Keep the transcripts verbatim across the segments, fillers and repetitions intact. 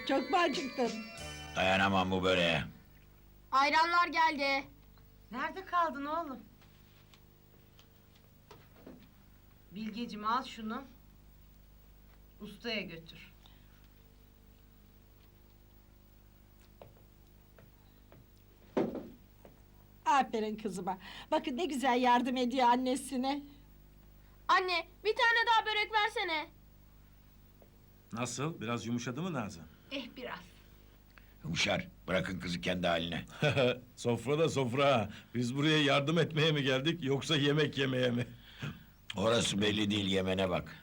Çok mu acıktın? Dayanamam bu böreğe. Ayranlar geldi. Nerede kaldın oğlum? Bilgeciğim al şunu. Ustaya götür. Aferin kızıma. Bakın ne güzel yardım ediyor annesine. Anne, bir tane daha börek versene. Nasıl? Biraz yumuşadı mı Nazan? Eh biraz. Yumuşar, bırakın kızı kendi haline. Sofra da sofra. Biz buraya yardım etmeye mi geldik yoksa yemek yemeye mi? Orası belli değil, yemene bak.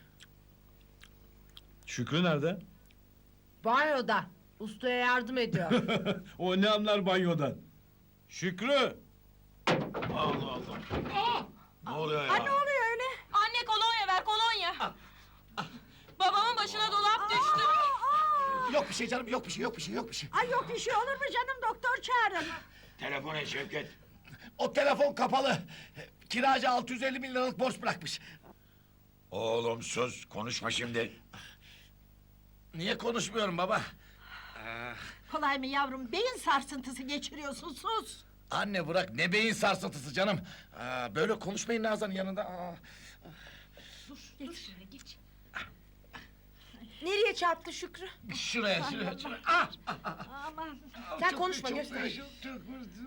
Şükrü nerede? Banyoda. Ustaya yardım ediyor. O ne anlar banyodan? Şükrü! Allah Allah! Ne oluyor Ha ne oluyor öyle? Anne kolonya ver, kolonya. Babamın başına dolap düştü. Yok bir şey canım, yok bir şey, yok bir şey, yok bir şey. Ay yok bir şey olur mu canım, doktor çağırın. Telefon et Şevket. O telefon kapalı. Kiracı altı yüz elli bin liralık borç bırakmış. Oğlum sus, konuşma şimdi. Niye konuşmuyorum baba? Kolay mı yavrum, beyin sarsıntısı geçiriyorsun, sus. Anne bırak, ne beyin sarsıntısı canım. Aa, böyle konuşmayın Nazan'ın yanında. Aa. Nereye çarptı Şükrü? Şuraya, şuraya, şuraya. Ah! Aman. Sen Çok- konuşma, çok- göster. çok- çok vurdum.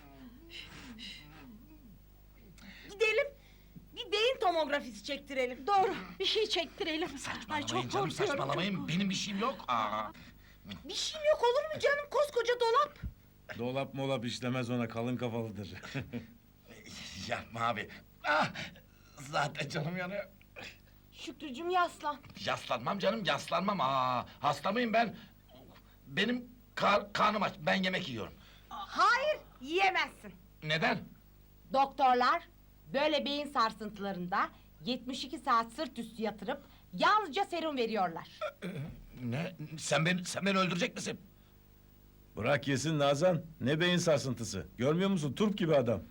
Gidelim. Bir beyin tomografisi çektirelim. Doğru, bir şey çektirelim. Ay Saçmalamayın çok canım, korkuyorum. saçmalamayın. çok- Benim bir şeyim yok. Aa. Bir şeyim yok olur mu canım? Koskoca dolap. Dolap molap işlemez ona, kalın kafalıdır. Yapma abi. Ah! Zaten canım yanıyor. Şükrücüm yaslan. Yaslanmam canım, yaslanmam. Aa, hasta mıyım ben? Benim kar, karnım aç, ben yemek yiyorum. Hayır, yiyemezsin. Neden? Doktorlar böyle beyin sarsıntılarında yetmiş iki saat sırt üstü yatırıp yalnızca serum veriyorlar. Ne? Sen beni, sen beni öldürecek misin? Bırak yesin Nazan. Ne beyin sarsıntısı. Görmüyor musun? Turp gibi adam.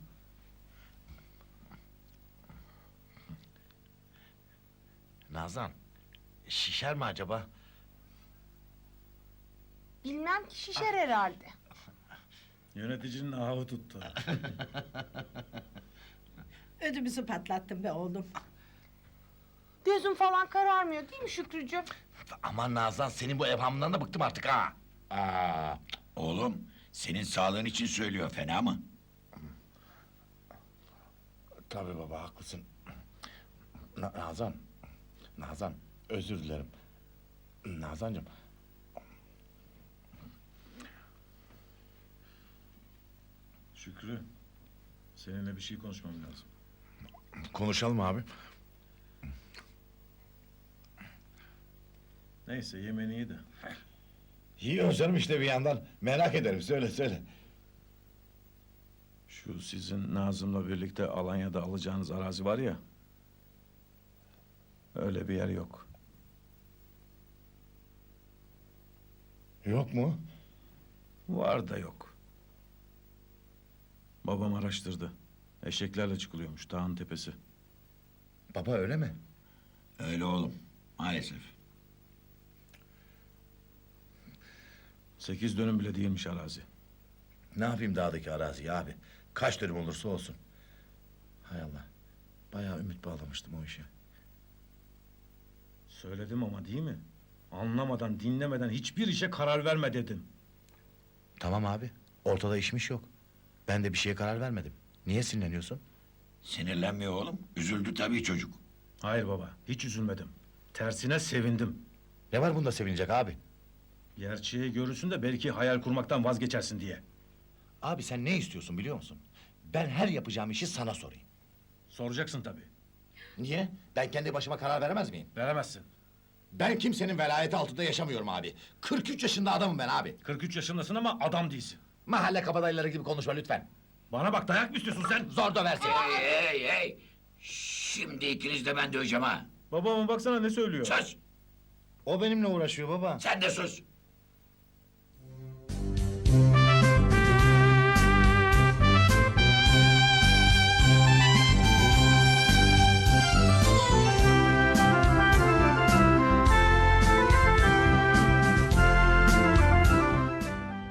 Nazan, şişer mi acaba? Bilmem ki şişer herhalde. Yöneticinin ahı tuttu. Ödümüzü patlattın be oğlum. Gözüm falan kararmıyor değil mi Şükrücüğüm? Aman Nazan, senin bu evhamından da bıktım artık ha! Aa, oğlum, senin sağlığın için söylüyor, fena mı? Tabii baba, haklısın. Na- Nazan, Nazan, özür dilerim. Nazancığım... Şükrü, seninle bir şey konuşmam lazım. Konuşalım abi. Neyse, yemeğini iyi de. Yiyoruz canım işte bir yandan. Merak ederim, söyle söyle. Şu sizin Nazım'la birlikte Alanya'da alacağınız arazi var ya... Öyle bir yer yok. Yok mu? Var da yok. Babam araştırdı. Eşeklerle çıkılıyormuş dağın tepesi. Baba öyle mi? Öyle oğlum, maalesef. Sekiz dönüm bile değilmiş arazi. Ne yapayım dağdaki araziyi abi? Kaç dönüm olursa olsun. Hay Allah. Bayağı ümit bağlamıştım o işe. Söyledim ama değil mi? Anlamadan, dinlemeden hiçbir işe karar verme dedim. Tamam abi. Ortada işmiş yok. Ben de bir şeye karar vermedim. Niye sinirleniyorsun? Sinirlenmiyor oğlum, üzüldü tabii çocuk. Hayır baba, hiç üzülmedim. Tersine sevindim. Ne var bunda sevinecek abi? Gerçeği görürsün de belki hayal kurmaktan vazgeçersin diye. Abi sen ne istiyorsun biliyor musun? Ben her yapacağım işi sana sorayım. Soracaksın tabii. Niye? Ben kendi başıma karar veremez miyim? Veremezsin. Ben kimsenin velayeti altında yaşamıyorum abi. kırk üç yaşında adamım ben abi. kırk üç yaşındasın ama adam değilsin. Mahalle kabadayıları gibi konuşma lütfen. Bana bak, dayak mı istiyorsun sen? Zor döversin. Hey hey hey! Şimdi ikiniz de ben döveceğim ha! Babama baksana ne söylüyor. Sus! O benimle uğraşıyor baba. Sen de sus!